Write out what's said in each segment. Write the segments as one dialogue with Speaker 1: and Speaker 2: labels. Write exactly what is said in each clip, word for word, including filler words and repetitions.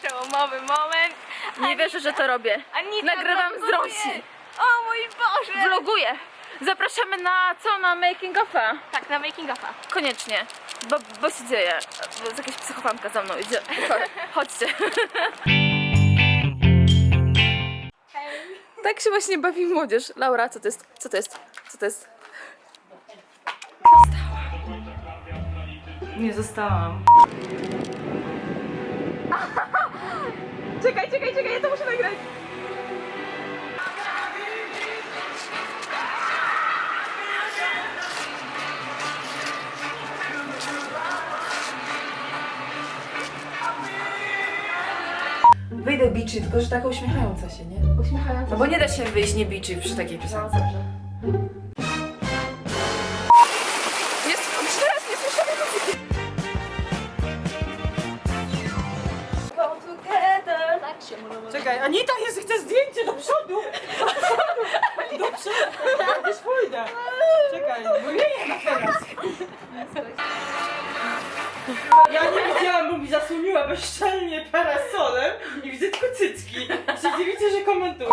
Speaker 1: przełomowy moment.
Speaker 2: Nie wierzę, że to robię.
Speaker 1: Anita
Speaker 2: Nagrywam z
Speaker 1: vloguje.
Speaker 2: Rosi.
Speaker 1: O mój Boże!
Speaker 2: Vloguję. Zapraszamy na co? Na making of'a.
Speaker 1: Tak, na making of'a.
Speaker 2: Koniecznie. Bo, bo się dzieje. Bo jakaś psychofanka za mną idzie. Chodźcie. Tak się właśnie bawi młodzież. Laura, co to jest? Co to jest? Co to jest?
Speaker 3: Nie zostałam.
Speaker 2: Czekaj, czekaj, czekaj, ja to muszę nagrać.
Speaker 3: Wyjdę biczy, tylko że taka uśmiechająca się, nie?
Speaker 2: Uśmiechająca.
Speaker 3: No bo nie da się wyjść nie biczy przy takiej piosence.
Speaker 2: Jest teraz nie słyszę muzyki.
Speaker 1: Go together. Tak się mówią.
Speaker 3: Czekaj, Anita, jest, chcę zdjęcie do przodu! Do przodu! Do przodu! Ja też pójdę. Czekaj, bo nie nie teraz. Ja nie widziałam, bo mi zasłoniła bezczelnie parasolem i widzę tylko cycki. I się dziwicie, że komentuję.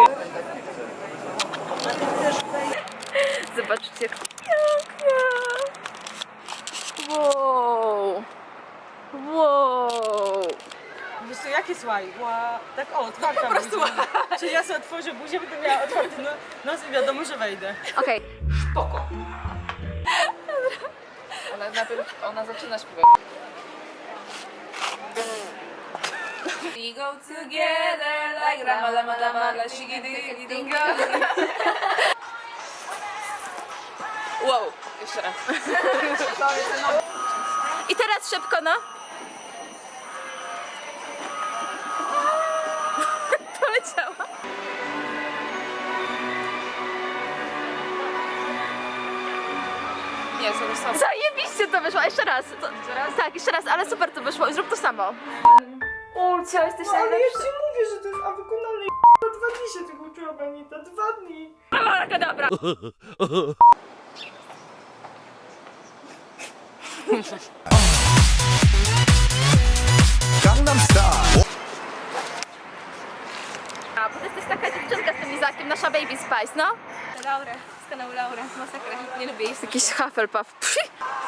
Speaker 2: Zobaczcie, jak pięknie. Wow. Wow.
Speaker 3: Wiesz co, jakie słuchaj? Ła, tak o, otwarta po prostu. Czyli ja sobie otworzę buzię, będę miała otwarty no, nos i wiadomo, że wejdę.
Speaker 2: Okej.
Speaker 3: Spoko.
Speaker 2: Ale najpierw ona zaczyna śpiewać. We go together like rama lama lama la shigi digi dingo. Wow, jeszcze raz. I teraz szybko, no. Poleciała.
Speaker 3: Nie, sobie sam.
Speaker 2: Zajebiście to wyszło, jeszcze raz. To, tak, jeszcze raz, ale super to wyszło. Zrób to samo. Ulcia, jesteś
Speaker 3: No, ale
Speaker 2: najlepsza.
Speaker 3: ja ci mówię, że to jest, a wykonane dwa dni się tego uczyłam, Anita, dwa dni.
Speaker 2: Abracadabra.
Speaker 4: Gangnam Style.
Speaker 2: A, bo ty jesteś taka dziewczynka z tym Izakiem, nasza Baby Spice, no?
Speaker 1: Laura, z kanału Laura, masakra. Nie lubię jej.
Speaker 2: Jakiś Hufflepuff. Psi.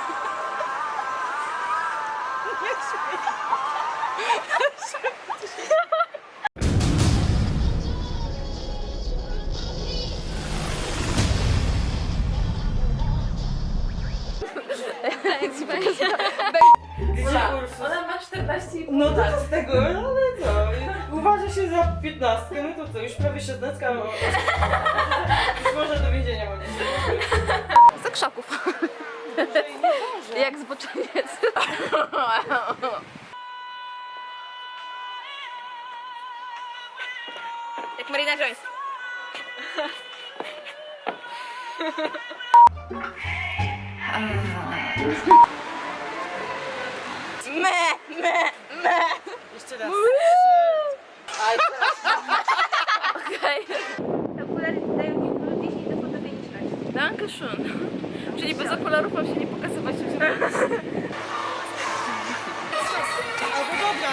Speaker 3: Ona ma czternaście i pół. No to co z tego, ale co? Uważa się za piętnastkę, no to co, już prawie szesnastka. No. Już można do więzienia chodzić.
Speaker 2: Za krzaków. Jak zboczeniec.
Speaker 1: Jak Marina Joyce.
Speaker 2: Me, me, me.
Speaker 3: Jeszcze raz.
Speaker 2: Okej.
Speaker 1: Te okulary dają mi plus dziesięć do podobieństwa.
Speaker 2: Dankeschön. Czyli bez okularów mam się nie pokazywać.
Speaker 3: Albo dobra.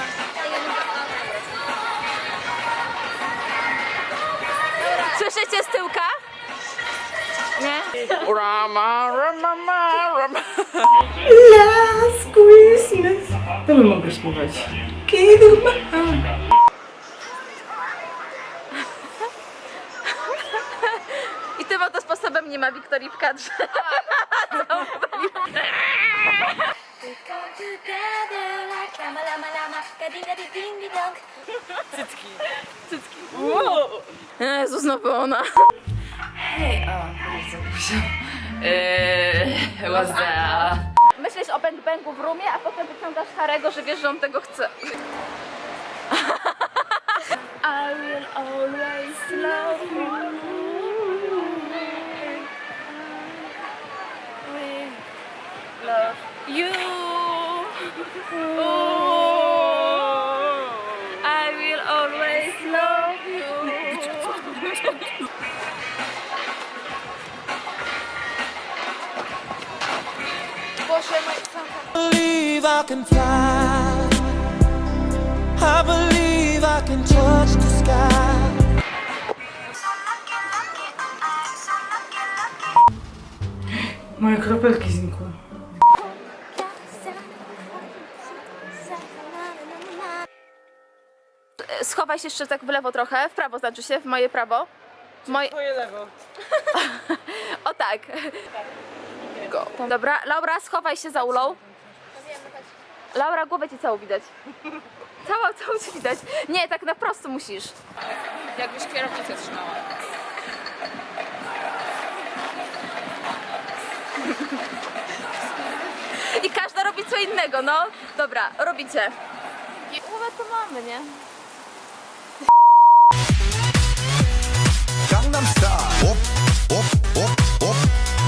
Speaker 2: Słyszycie z tyłka? Nie? Rama, rama, rama, rama.
Speaker 3: Last Christmas. To my mogę śpiewać. Kiedy
Speaker 2: I tym oto sposobem nie ma Wiktorii w kadrze.
Speaker 3: cycki.
Speaker 2: Cycki. Wow. Jezu, znowu ona.
Speaker 3: Hej, a, bardzo Eee, what's that?
Speaker 2: Myślisz o bang bangu w rumie, a potem wyciągasz Harego, że wiesz, że on tego chce. I will always love you. Love you. I will always love you. Boże, moje
Speaker 4: Believe I can fly. I believe I can touch the sky.
Speaker 3: Moje kropelki znikły.
Speaker 2: Schowaj się jeszcze tak w lewo trochę, w prawo znaczy się, w moje prawo. Moje...
Speaker 3: Twoje lewo.
Speaker 2: O tak. Go. Dobra, Laura, schowaj się za Ulą. Laura, głowę ci całą widać. Całą, całą ci widać. Nie, tak na prosto musisz. Jakbyś kierownicę trzymała. I każda robi co innego, no. Dobra, robicie. Głowę to mamy, nie?
Speaker 4: Gangnam Style. Op, op,